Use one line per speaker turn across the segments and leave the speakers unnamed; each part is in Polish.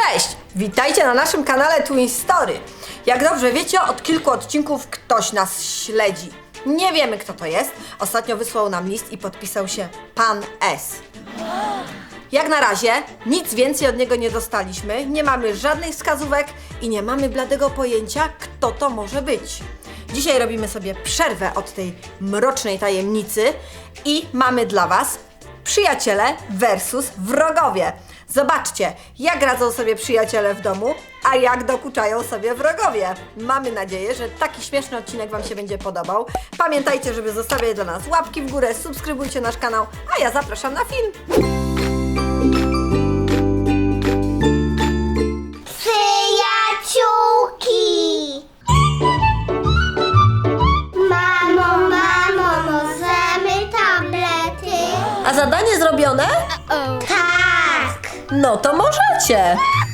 Cześć! Witajcie na naszym kanale Twin Story. Jak dobrze wiecie, od kilku odcinków ktoś nas śledzi. Nie wiemy, kto to jest. Ostatnio wysłał nam list i podpisał się Pan S. Jak na razie nic więcej od niego nie dostaliśmy, nie mamy żadnych wskazówek i nie mamy bladego pojęcia, kto to może być. Dzisiaj robimy sobie przerwę od tej mrocznej tajemnicy i mamy dla Was przyjaciele versus wrogowie. Zobaczcie, jak radzą sobie przyjaciele w domu, a jak dokuczają sobie wrogowie. Mamy nadzieję, że taki śmieszny odcinek Wam się będzie podobał. Pamiętajcie, żeby zostawiać dla nas łapki w górę, subskrybujcie nasz kanał, a ja zapraszam na film.
Przyjaciółki! Mamo, możemy tablety?
A zadanie zrobione?
Tak!
No to możecie.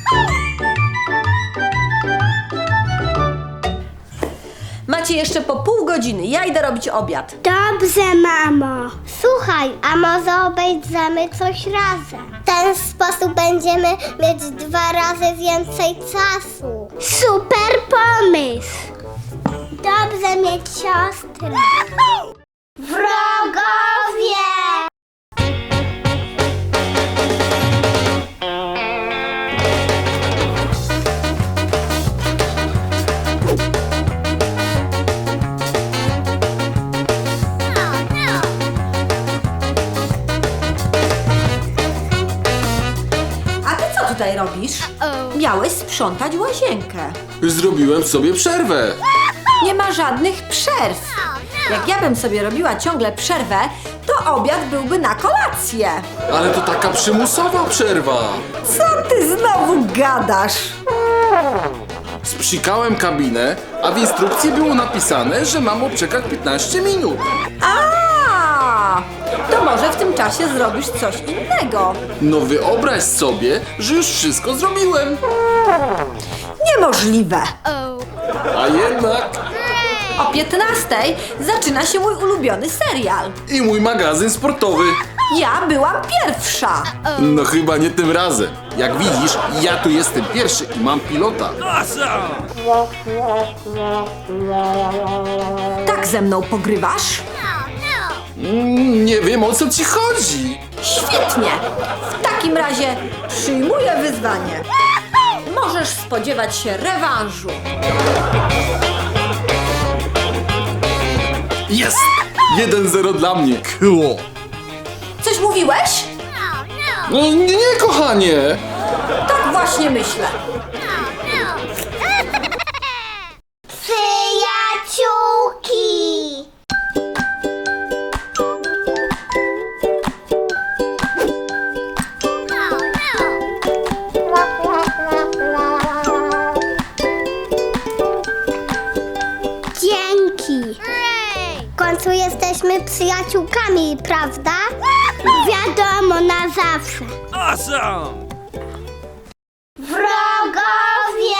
Macie jeszcze po pół godziny, ja idę robić obiad.
Dobrze, mamo. Słuchaj, a może obejdziemy coś razem? W ten sposób będziemy mieć 2 razy więcej czasu. Super pomysł! Dobrze mieć siostrę. Wrogowie!
A ty co tutaj robisz? Miałeś sprzątać łazienkę.
Zrobiłem sobie przerwę.
Nie ma żadnych przerw. Jak ja bym sobie robiła ciągle przerwę, to obiad byłby na kolację.
Ale to taka przymusowa przerwa.
Co ty znowu gadasz?
Sprzikałem kabinę, a w instrukcji było napisane, że mam odczekać 15 minut.
A, to może w tym czasie zrobisz coś innego.
No wyobraź sobie, że już wszystko zrobiłem.
Niemożliwe.
A jednak
O 15:00 zaczyna się mój ulubiony serial.
i mój magazyn sportowy.
Ja byłam pierwsza.
No chyba nie tym razem. Jak widzisz, ja tu jestem pierwszy i mam pilota.
Tak ze mną pogrywasz?
Nie wiem, o co ci chodzi.
Świetnie. W takim razie przyjmuję wyzwanie. Możesz spodziewać się rewanżu.
Jest! 1-0 dla mnie. Cool.
Coś mówiłeś?
No nie, kochanie.
Tak właśnie myślę.
Przyjaciółki! Dzięki! W końcu jesteśmy przyjaciółkami, prawda? Wiadomo, na zawsze.
Awesome!
Wrogowie!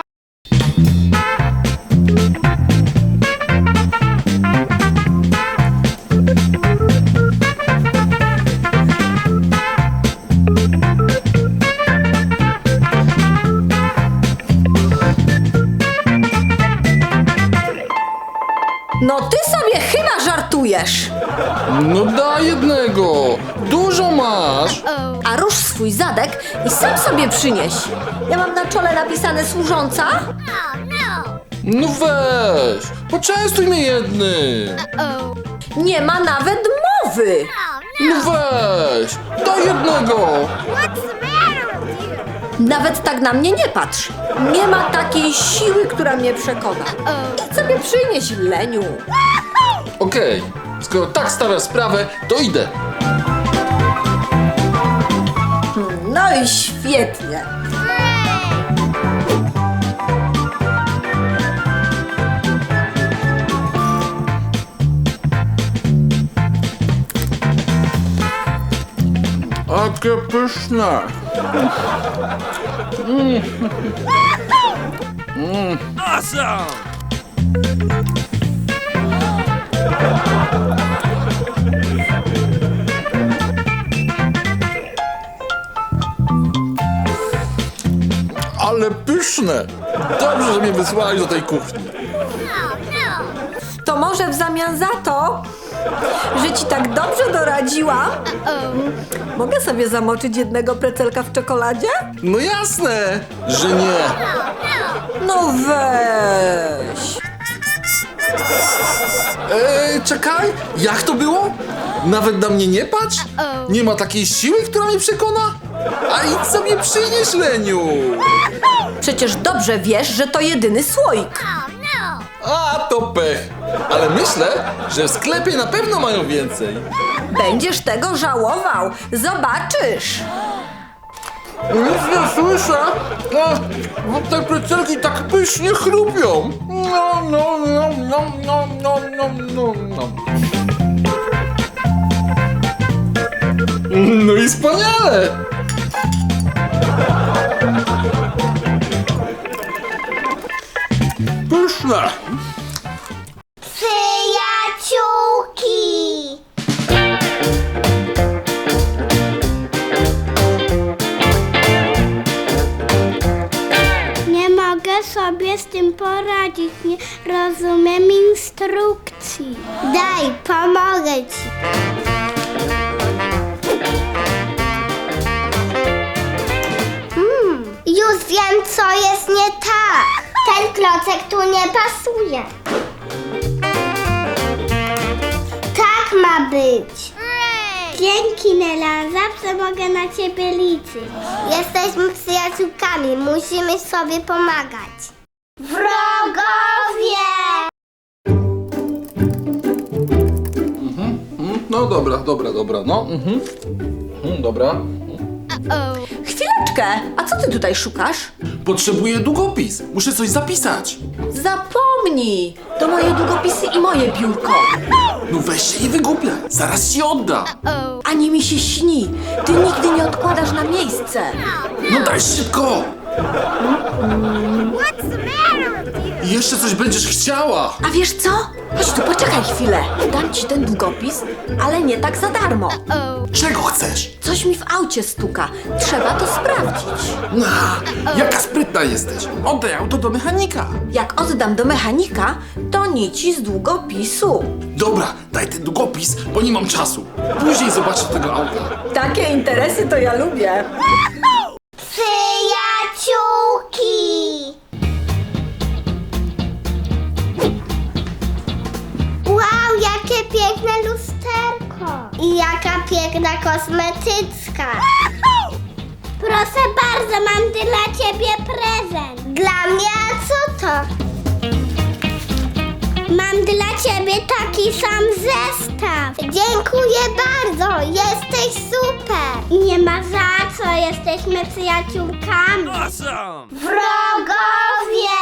No ty sobie chyba żartujesz.
No daj jednego. Dużo masz.
A rusz swój zadek i sam sobie przynieś. Ja mam na czole napisane służąca?
No weź. Poczęstuj mnie jednym.
Nie ma nawet mowy.
No weź. Daj jednego.
Nawet tak na mnie nie patrz. Nie ma takiej siły, która mnie przekona. Idź sobie przynieś, leniu.
Okej. Skoro tak stawiasz sprawę, to idę.
No i świetnie.
Jakie pyszne.
Awesome!
ale pyszne. Dobrze, że mnie wysłałeś do tej kuchni.
To może w zamian za to, że ci tak dobrze doradziłam, mogę sobie zamoczyć jednego precelka w czekoladzie?
No jasne, że nie.
No weź.
Czekaj, jak to było? Nawet na mnie nie patrz? Nie ma takiej siły, która mnie przekona? A idź sobie przynieś, Leniu.
Przecież dobrze wiesz, że to jedyny słoik.
A, to pech. Ale myślę, że w sklepie na pewno mają więcej.
Będziesz tego żałował. Zobaczysz.
Nic nie słyszę. Bo te precelki tak pysznie chrupią. No, no, no, no, no, no, no, no, no. No i wspaniale. Pyszne.
Przyjaciółki! Nie mogę sobie z tym poradzić, nie rozumiem instrukcji. Daj, pomogę ci. Już wiem, co jest nie tak. Ten klocek tu nie pasuje. Tak ma być. Dzięki, Nela. Zawsze mogę na ciebie liczyć. Jesteśmy przyjaciółkami. Musimy sobie pomagać. Wrogowie!
No dobra, no. Dobra.
Chwileczkę, a co ty tutaj szukasz?
Potrzebuję długopis. Muszę coś zapisać.
Zapomnij! To moje długopisy i moje biurko.
No weź się i wygłupiaj. Zaraz ci odda.
Ani mi się śni. Ty nigdy nie odkładasz na miejsce.
No daj szybko. I jeszcze coś będziesz chciała.
A wiesz co? Chodź tu, poczekaj chwilę. Dam ci ten długopis, ale nie tak za darmo.
Czego chcesz?
Coś mi w aucie stuka. Trzeba to sprawdzić.
Jaka sprytna jesteś. Oddaj auto do mechanika.
Jak oddam do mechanika, to nici z długopisu.
Dobra, daj ten długopis, bo nie mam czasu. Później zobaczę tego auta.
Takie interesy to ja lubię.
Przyjaciółki! Wow, jakie piękne lusterko! I jaka piękna kosmetyczka! Proszę bardzo, mam dla ciebie prezent. Dla mnie? A co to? Mam dla ciebie taki sam zestaw. Dziękuję bardzo, jesteś super. Nie ma za co, jesteśmy przyjaciółkami.
Awesome!
Wrogowie!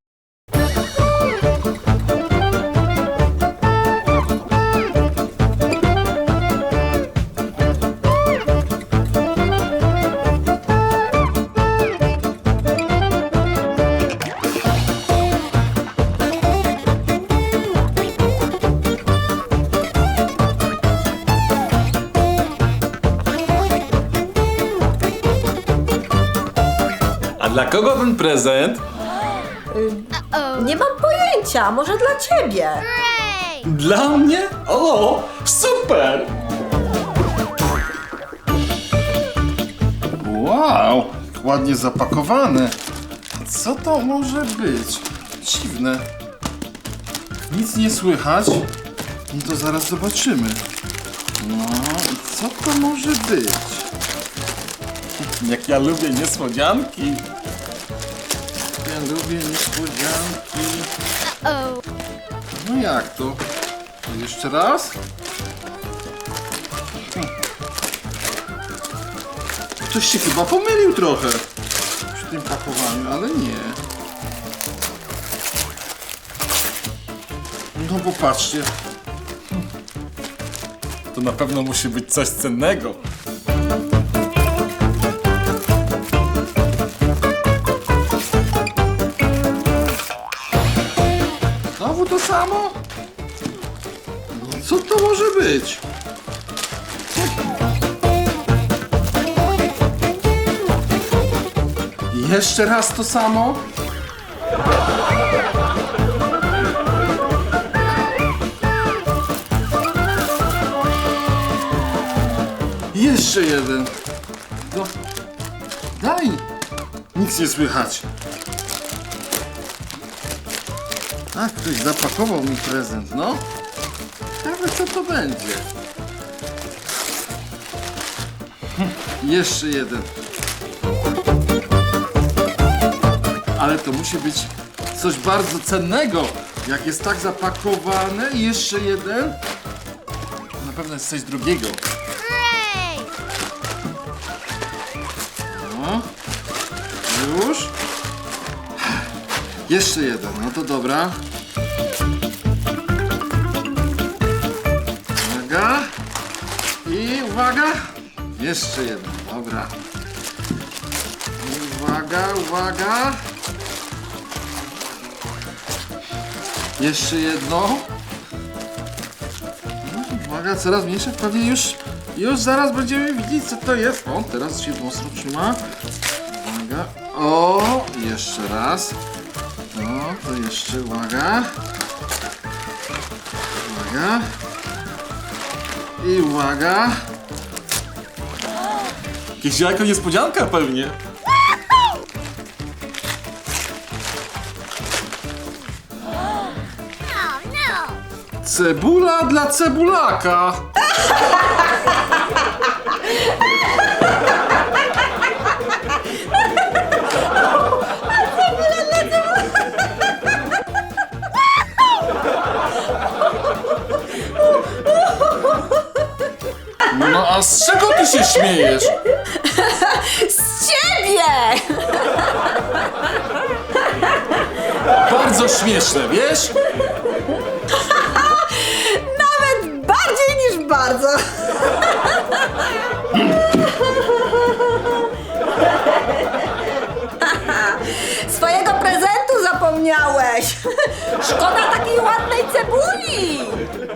A dla kogo ten prezent?
Nie mam pojęcia, może dla ciebie.
Dla mnie? O, super! Wow, ładnie zapakowane. Co to może być? Dziwne. Nic nie słychać. No to zaraz zobaczymy. No i co to może być? Jak ja lubię niespodzianki. Ja lubię niespodzianki. No jak to? Jeszcze raz? Ktoś się chyba pomylił trochę przy tym pakowaniu, ale nie. No popatrzcie. To na pewno musi być coś cennego. Znowu to samo? No co to może być? Jeszcze raz to samo. Jeszcze jeden. No, dalej nic nie słychać. A, ktoś zapakował mi prezent, no. Ciekawe, co to będzie. Jeszcze jeden. Ale to musi być coś bardzo cennego. Jak jest tak zapakowane i jeszcze jeden. To na pewno jest coś drugiego. No. Już. Jeszcze jeden, no to dobra. Uwaga. I uwaga. Jeszcze jeden, dobra. I uwaga, uwaga. Jeszcze jedno. No, uwaga, coraz mniejsze. Pewnie już zaraz będziemy widzieć, co to jest. O, teraz się mocno trzyma. Uwaga. O, jeszcze raz. No, to jeszcze uwaga. Uwaga. I uwaga. Jakieś jajko niespodzianka pewnie. Cebula dla cebulaka. No a z czego ty się śmiejesz?
Z ciebie!
Bardzo śmieszne, wiesz?
Nawet bardziej niż bardzo. Swojego prezentu zapomniałeś. Szkoda takiej ładnej cebuli.